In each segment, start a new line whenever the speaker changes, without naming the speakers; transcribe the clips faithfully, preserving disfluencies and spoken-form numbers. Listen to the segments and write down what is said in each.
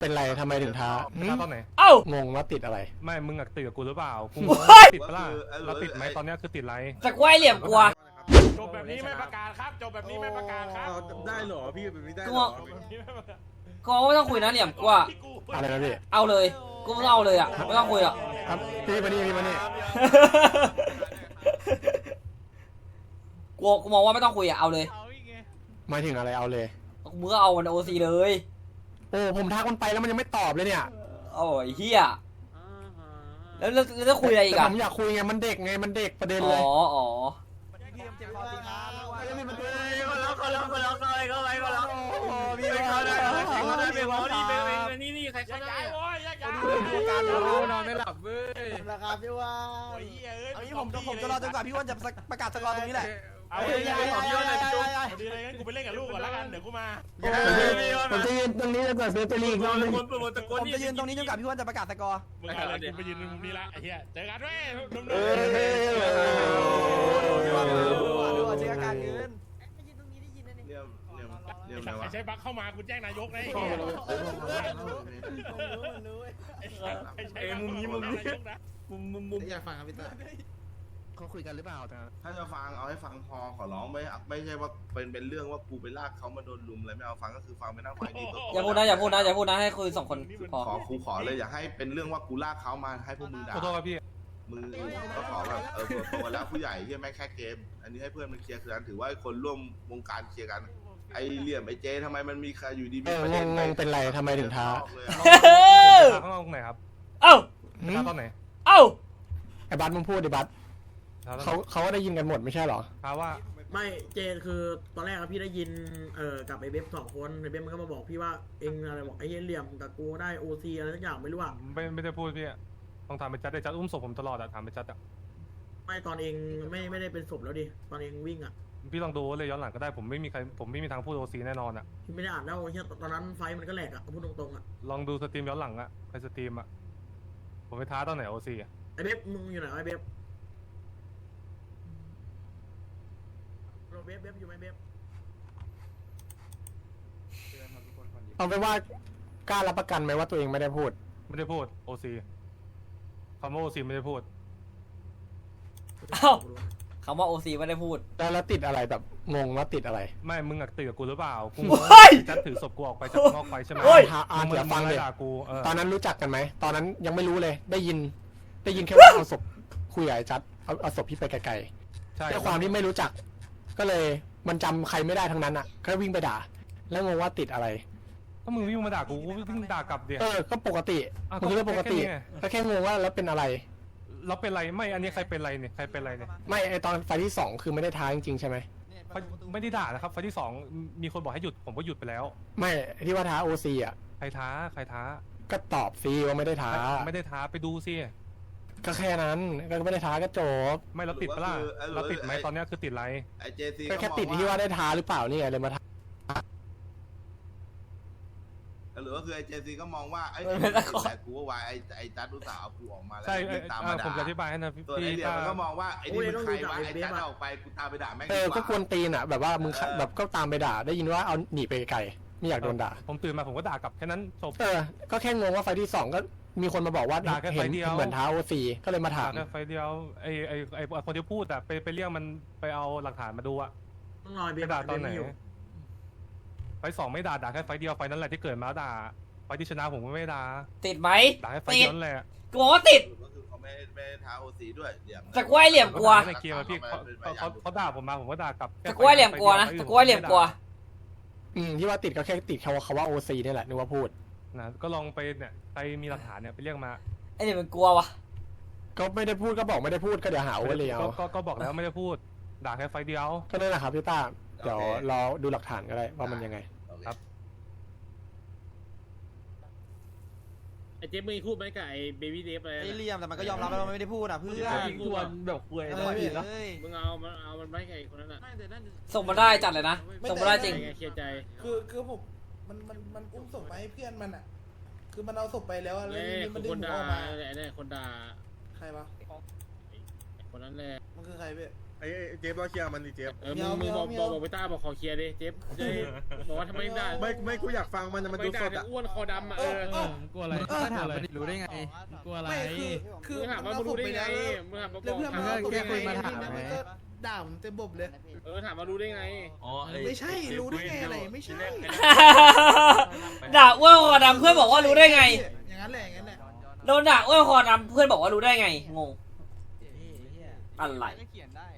เป็นไรทำไมถึงท้า
ท้าตอนไหน
เอ้าง
งว่าติดอะไร
ไม่มึงอะติดกับกูหรือเปล่ากูติดปะล่ะเราติดไหมตอนนี้คือติดไร
จะกล้วยเหลี่ยมกลัว
จบแบบนี้ไม่ประกาศครับจบแบบนี้ไม่ประกาศครับ
ได้เหรอพี่แบบนี้ได้
กู
เหรอ
ก็ไม่ต้องคุยนะเหลี่ยมกลัว
อะไรนะพี่
เอาเลยกูไม่ต้องเอาเลยอ่ะไม่ต้องคุยหรอก
ครับพี่มานี่พี่มานี่
กูกูมองว่าไม่ต้องคุยอ่ะเอาเลย
หมายถึงอะไรเอาเลย
มึงก็เอามันโอซีเลย
โอ้ผมทักมันไปแล้วมันยังไม่ตอบเลยเนี่ย
โอ้ยเฮียแล้วแล้วแล้วจะคุยอะไรอีก
แต่
อ่ะ
ผมอยากคุยไงมันเด็กไงมันเด็กประเด็น
อ๋
เล
อย อ๋อ
พี่ไปเข้าได้ใครเข้าได้ไปวอลนี่ไปนี่นี่ใคร
ยั
เข้าก ได้
ย้ายโว้ยยักย้าย
การนอนไม่หลับเว้ย
นะครับพี่ว่า
โอ้ยเอ้ย
เอางี้ผมผมจะรอจนกว่าพี่ว่าจะประกาศสกอร์ตรงนี้แหละ
เอาเลยยักย้ายยักย้ายยักย้ายดีเลยงั้นกูไปเล่นกับลูกก่อนแล้วกันเดี๋ยวกูมา
ผมจะยืนตรงนี้จนกว่าเซฟจะลีกรอบนึง
ผมจะยืนตรงนี้จนกว่าพี่ว่าจะประกาศสกอร์
มึงอะไรกูไปยืนมุมนี้ละไอ้เหี้ยเจอกันเว้ยนุ่ม
เอ
ดู
อ
เช็คอาการเงิน
เรียมเรียมเรียม
ไอ้
อะไร
สัตว์
วะ
ใช้บัคเข้ามากูแจ้งนายกนะไอ้เหี้ยไอ้ใช้มุมนี้มุมนี้นะ
มุมมุมมุมอยากฟังครับพี่ตา
เขาคุยกันหรือเปล่าแต่
ถ้าจะฟังเอาให้ฟังพอขอร้องไม่ไม่ใช่ว่าเป็นเป็นเรื่องว่ากูไปลากเขามาโดนลุมอะไรไม่เอาฟังก็คือฟังไปนั่งฟังดีตัว
อย่าพูดนะอย่าพูดนะอย่าพูดนะให้คุยสองคนพอ
ขอกูขอเลยอย่าให้เป็นเรื่องว่ากูลากเขามาให้พวกมึงด่า
ขอโทษครับพี่
มึงก็ขอแบบเออโตแล้วผู้ใหญ่ที่แม่แค่เกมอันนี้ให้เพื่อนมันเคลียร์คือกันถือว่าคนร่วมวงการเคลียร์กันไอเหลี่ยมไอเจทำไมมันมีใครอยู่ดี
เอองงงงเป็นไรทำไมถึงท้า
ข้างนอกไหนครับ
เอ้า
ท้าตอนไหน
เอ้า
ไอ้บัสมึงพูดดิบัส
ท้าตอนไหน
เขาเขาก็ได้ยินกันหมดไม่ใช่เหรอ
ท้าว่า
ไม่เจนคือตอนแรกอะพี่ได้ยินเอ่อกับไอ้เว็บสองคนไอ้เว็บมันก็มาบอกพี่ว่าเองอะไรบอกไอ้เหี้ยเหลี่ยมกับกูได้โอซีอะไรสักอย่างไม่รู้อะ
ไม่ไม่ได้พูดพี่ต้องถามไปจัดได้จัดอุ้มศพผมตลอดอะถามไปจัดอะ
ไม่ตอนเองไม่ไม่ได้เป็นศพแล้วดิตอนเองวิ่งอะ
พี่ลองดูเลยย้อนหลังก็ได้ผมไม่มีใครผมไม่มีทางพูดโอซีแน่นอนอะ
พี่ไม่ได้อ่านแล้วไอ้เหี้ยตอนนั้นไฟมันก็แหลกอะพูดตรงๆอะ
ลองดูสตรีมย้อนหลังอะใครสตรีมอะผมไปท้าตอนไหนโอซีอะ
ไอ้เว็บมึงอยู่ไหนไอ้เว็บเราเว็บเว็บอยู่ไหมเว็บ
เอาไปนว่ากล้ารับประกันไหมว่าตัวเองไม่ได้พูด
ไม่ได้พูดโอซีคำว่าโอซีไม่ได้พูด
เอ้าคำว่าโอซีไม่ได้พูด
แล้วแล้วติดอะไรแบบงงว่าติดอะไร
ไม่มึงอะติดกับกูหรือเปล่ากู
เฮ้ย
จัดถือศพกูออกไปจากนอกไปใช่ไหม
เฮ้ย
อ่า
มึง
เดี๋ยวฟังเลย
ด่ากูเออ
ตอนนั้นรู้จักกันไหมตอนนั้นยังไม่รู้เลย ได้ยิน ได้ยินแค่ว่าเอาศพคุยกับไอ้จัดเอาเอาศพพี่ไปไกล
ใช่
ๆด้วยความที่ไม่รู้จัก ก็เลยมันจำใครไม่ได้ทั้งนั้นอ่ะก็วิ่งไปด่า แล้วงงว่าติดอะไร
ถ้ามึงวิ่งมาด่ากูกูวิ่งด่ากลับเดี๋ยว
เออ ก็ปกติ
อ่ะ
มันคือเรื่องปกติ
ก็แค่นี้ไง
ก็แค่งงว่าแล้วเป็นอะไร
เราเป็นไรไม่อันนี้ใครเป็นไรเนี่ยใครเป็นไรเนี่ย
ไม่ไอตอนไฟล์ที่สองคือไม่ได้ท้าจริงๆใช่ไหม
ไฟไม่ได้ด่านะครับไฟที่สองมีคนบอกให้หยุดผมก็หยุดไปแล้ว
ไม่ที่ว่าท้าโอซีอ่ะ
ใครท้าใครท้า
ก็ตอบฟรีว่าไม่ได้ท้า
ไม่ได้ท้าไปดูสิ
ก็แค่นั้นก็ไม่ได้ท้าก็จบ
ไม่เราติดปะล่ะเราติดไหมตอนนี้คือติดไร
ไอเจซี
ก็แค่ติดที่ว่าได้ท้าหรือเปล่านี่ไงเลยมาท้า
หรือว่าคือไอเจซีก็มองว่าไอ้แต่กูว่าวายไอไอจัดอุตส่าห์เอากูออกมาแล้ว
ใช่
ตามมาด่า
ผมจะอธิบายให้นะพี่
ตัวไอเหลี่ยมมันก็มองว่าไอ้นี่มันใครวะไอ้จัดออกไปกูตามไปด่าแม่ง
เออก็กวนตีนอ่ะแบบว่ามึงแบบก็ตามไปด่า ได้ยินว่าเอาหนีไปไกลไม่อยากโดนด่า
ผมตื่นมาผมก็ด่ากลับแค่นั้นจบ
เออก็แค่งงว่าไฟล์ที่สองก็มีคนมาบอกว่า
ด่าแค่ไฟ
เห็น
ล์เดียว
เหมือนท้าโอซีก็เลยมาถาม
ด่าแค่ไฟเดียวไอไอไอคนที่พูดอะไปไปเรียกมันไปเอาหลักฐานมาดูอะ
ต้องรอไอ้
ไป
เว็บ
ด่าตอนไหน
เว็บอยู่
ไฟสองไม่ด่าด่าแค่ไฟเดียวไฟนั้นแหละที่เกิดมาด่าไฟที่ชนะผมก็ไม่ด่า
ติดไหม
ด่าแค่ไฟ
ติด
นั้นแหละ
กูบอกว่าติด
ก็คือเขาไม่ไม่ท้าโอซีด้วยเหลี่ยม
จะกล้วยเหลี่ยมกลัว
ในเกมอะพี่เขาเขาเขาด่าผมมาผมก็ด่ากลับ
จะกล้วยเหลี่ยมกลัวนะจะกล้วยเหลี่ยมกลัว
อืมที่ว่าติดก็แค่ติดคำว่าคำว่าโอซีนี่แหละนึกว่าพูด
นะก็ลองไปเนี่ยใครมีหลักฐานเนี่ยไปเรียกมา
ไอ้เนี่ยมันกลัววะ
ก็ไม่ได้พูดก็บอกไม่ได้พูดก็เดี๋ยวหาว่าเลยเอา
ก็ก็บอกแล้วไม่ได้พูดด่าแค่ไฟเดียว
ก็นั่นแหละครับพี่ต้าเดี๋ยวรอดูหลักฐานก็ได้ว่ามันยังไง
ครับ
ไอเจ๊มึงพูดไหมกับไอเบบี้เดฟอะไร
ไอ้เหลี่ยมแต่มันก็ยอมรับแล้วมันไม่ได้พูดอ่ะเพื่อน
ทวนแบบคุย
เออพี่เอ้ย
มึงเอามันเอามันไม่กับไอคนนั้นอ่ะ
ส่งมาได้จัดเลยนะส่งมาได้จริง
เคลียร์ใจ
คือคือผมมันมันมันอุ้มศพไปให้เพื่อนมันอ่ะ คือมันเอาศพไปแล้วอะแล้ว
เอ้
ทีนี้มันดึ
ค
ง
น
หัว
ด่า
ออกมา
ไอ้เนี่ยคนด่า
ใครวะ
คนนั้นแหละ
มันคือใครพี่
ไอ้เจฟเราเคลียร์มันดิเจฟ
เออมึงมึงบอกบอกบอกไปต้าบอกขอเคลียร์ดิเจฟจะได้บอกว่าทำไมได้
ไม่ไม่กูอยากฟังมันมัน
ไม่
ดู
ได้
สดอ่ะ
อ้วนคอดำอ่ะเออ
กลัวอะไรก็ถามมันรู้ได้ไงกลัวอะไรไม่คือคือ
มึงถามว่ามึงรู้ได้ไงมึงถามมาบ
แล้ว
อก
เพื่อน
ถาม
มัน
ว่า
ก็
รู้
แค่
ได้
คุย
ไง
มาถามไงด่าผมเต็มบบเลย
เออถามว่ารู้ได้ไง
ไม่ใช่รู้ได้ไงอะไรไม่ใช่
ด่าอ้วนคอดำเพื่อนบอกว่ารู้ได้ไง
อย่างนั้นแหละอย่างนั้นแหละ
โดนด่าอ้วนคอดำเพื่อนบอกว่ารู้ได้ไงงงอะไร
เขียนได้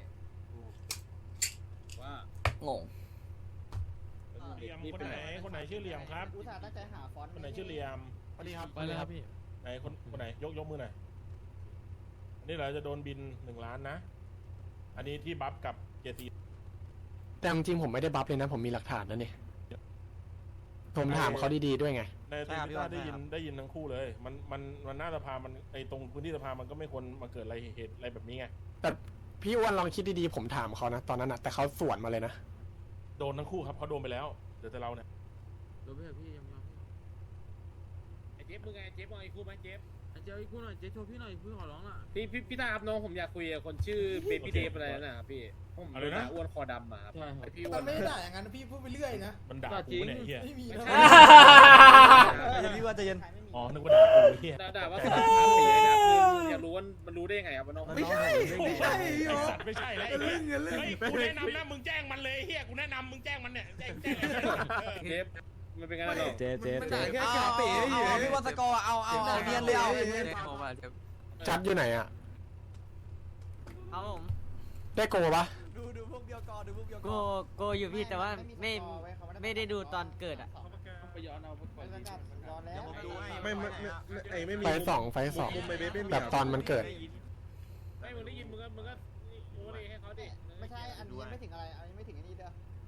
ว่าง
ง
เหลี่ยมคนไหนคนไหนชื่อเหลี่ยมครับ
อุตส่าห์ตั้งใจหาฟอนต์
คนไหนชื่อเหลี่ยม
สวัสดีครับ
ไปเลยครับพี่
ไหนคนคนไหนยกยกมือหน่อยอันนี้เราจะโดนบินหนึ่งล้านนะ อันนี้ที่บัฟกับเจตี
แต่จริงๆผมไม่ได้บัฟเลยนะ ผมมีหลักฐานนะนี่ผมถามเขาดีๆด้วยไง
ในตรงที่ได้ยินได้ยินทั้งคู่เลย มันมันมันหน้าสภามันไอตรงพื้นที่สภามันก็ไม่ควรมาเกิดอะไรเหตุอะไรแบบนี้ไง
แต่พี่อ้วนลองคิดดีๆผมถามเขานะตอนนั้นนะแต่เขาสวนมาเลยนะ
โดนทั้งคู่ครับเขาโดนไปแล้วเดี๋ยวแต่เราเนี่ย
ดูพี่พี่ยังยอมไอ้เจฟมึงไงเจฟมึงไอ้คู่ไหมเจฟ
เจ้าอีกคู่หน่อยเจ๊โชว์พี่หน่อยพี่ขอร้องล่ะ
พี่พี่พี่ตาครับน้องผมอยากคุยกับคนชื่อเบบี้เดฟอะไรนะครับพี่ผมโดนด่าอ้วนคอดำมาครับไอพี่อ้ว
มัน นไม่ได้ด่าอย่างนั้นพี่พูดไปเรื่อยนะ
มันด่ากูเนี่ยไอ้เฮีย
ไม่มีนะ
ใจเย็นพี่ว่าใจเย็น
อ๋อนึกว่าด่ากูไอ้เฮีย
ด่าด่าว่าสามสามปีนะคืออยากรู้ว่ามันรู้ได้ยังไงครับว่าน้อง
ไม่ใช่ไม่ใช่
ไอ้สัตว์ไม่ใช่แล้วไอ้
เรื่
เหี้
อย งเรื่อง
เฮ้ยกูแนะนำนะมึงแจ้งมันเลยเฮียกูแนะนำมึงแจ้งมันเนี่ยแจ้งแจ้งเออ
เจฟมันเป็นไงล่ะน้อง
เจ๊เจ๊มันด่าแค่
เอา
กาเป๋
เอา
อยู่
เอาพี่ว่าสกอร์เอาเอาเอาเนียนเลยเอา
จัดอยู่ไหนอ่ะ
เอาผม
ได้โกปะ
ดูดูพวกเดียวกอดูพวกเดียวก
โกโกอยู่พี่แต่ว่าไม่ไม่ได้ดูตอนเกิดอ่ะ
ไปย้อนเอาก่อน
ย้อนแล้ว
ไม่ไม่ไม่ไอ้ไม่มี
ไฟสองไฟสอง
มุมไอ้เบฟไม่มี
แบบตอนมันเกิด
ไม่มึงได้ยินมึงก็มึงก็โอ้ยให้เขาดิ
ไม่ใช่อันนี้ยังไม่ถึงอะไรอันนี้ไม่ถึงอันนี้เด้อ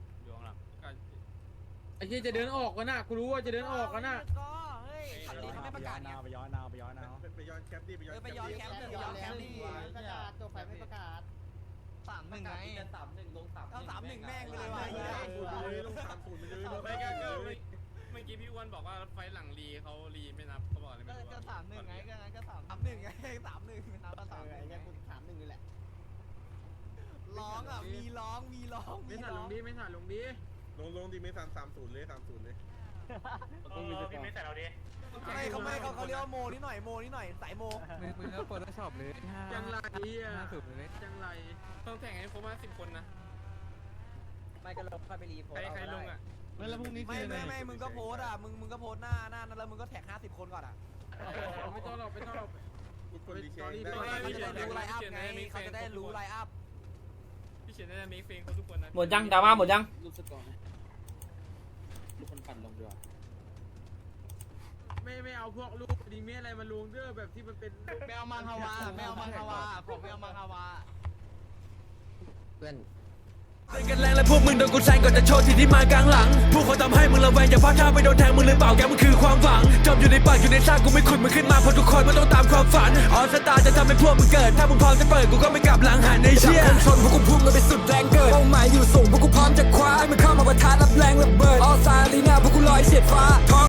ไอ้เหี้ยจะเดินออกกันน่ะกูรู้ว่าจะเดินออกกันน่ะ
เฮ้ยอันนี้เขาไม่ประกาศ
ไปย้อนนาวไปย้อนนาว
ไปย้อนแคปดิไปย้อน
ไปย้อนแคมป์ไปย้อนแคมป์ดิประกาศจบไปไม่ประกาศสามหนึ่งไงสามหนึ่งลงสามเอาสามหนึ่งแม่งเลยว่ะ
ลงสามศูนย์ไปเลย
ไม่ก็ก็เมื่อกี้พี่อ้วนบอกว่าไฟหลังรีเขารีไม่นับเขาบอกอะไรไม่รู้
ก็สามหนึ่งไงก็งั้นก็สามสามหนึ่งไงสามหนึ่งนับก็สามหนึ่งไงคุณสามหนึ่งนี่แหละร้องอ่ะมีร้องมีร้องมีร้อง
ไม่ถ่ายลงดี
ลงลงดีไม่สามสามศูนย์เลยสามศูนย์เลย
พี่ไม่ใส่เราดิ
ไม่เขาไม่เขาเขาเรียกว่าโมนิดหน่อยโมนิดหน่อยสายโม
มึงมึงก็เปิดช็อปเลย
จังไรอ่ะ
ห้าสิบเลย
จังไรต้องแข่งให้ครบห้าสิบคนนะ
ไม่ก็ลงค่อยไปรีโพส
ใครใครลงอ่ะ
ไม่แล้วพรุ่งนี้
ไม่ไม่ไม่มึงก็โพสอ่ะมึงมึงก็โพสหน้าหน้านั้นแล้วมึงก็แท็กห้าสิบคนก่อนอ่ะ
ไม่ต้องหรอกไม่ต้องหรอก
ทุกคนดีแชร์
ตอนนี้
ได้
เขาจะได้รู้ไลน์อัพไงเขาจะได้รู้ไลน์อัพ
พี่เฉียนได้มีเฟงเขาทุกคนนะ
หมดยังดราม่าหมดยัง
รูปสกอร์ลูกคนปั่นลงด้วย
ไม่ไม่เอาพวกลูกดีเมียอะไรมาลงเด้อแบบที่มันเป็น
ไม่เอามังฮาวาไม่เอามังฮาวาผมไม่เอามังฮาวา
เพื่อน
กันแรงและพวกมึงโดนกูแซงก่อนจะโชว์ที่ที่มากลางหลังพวกเขาทำให้มึงระแวงอย่าพลาดท่าไปโดนแทงมึงหรือเปล่าแกมันคือความหวังจมอยู่ในปากอยู่ในซากกูไม่ขุดมึงขึ้นมาเพราะทุกคนมันต้องตามความฝันออสตาจะทำให้พวกมึงเกิดถ้ามึงพร้อมจะเปิดกูก็ไม่กลับหลังหันในเชี่ยชนพวกกูพุ่งกันไปสุดแรงเกิดเป้าหมายอยู่สูงพวกกูพร้อมจะคว้าให้มันเข้ามาประทะรับแรงระเบิดออสตาลีนาพวกกูลอยเฉียดฟ้า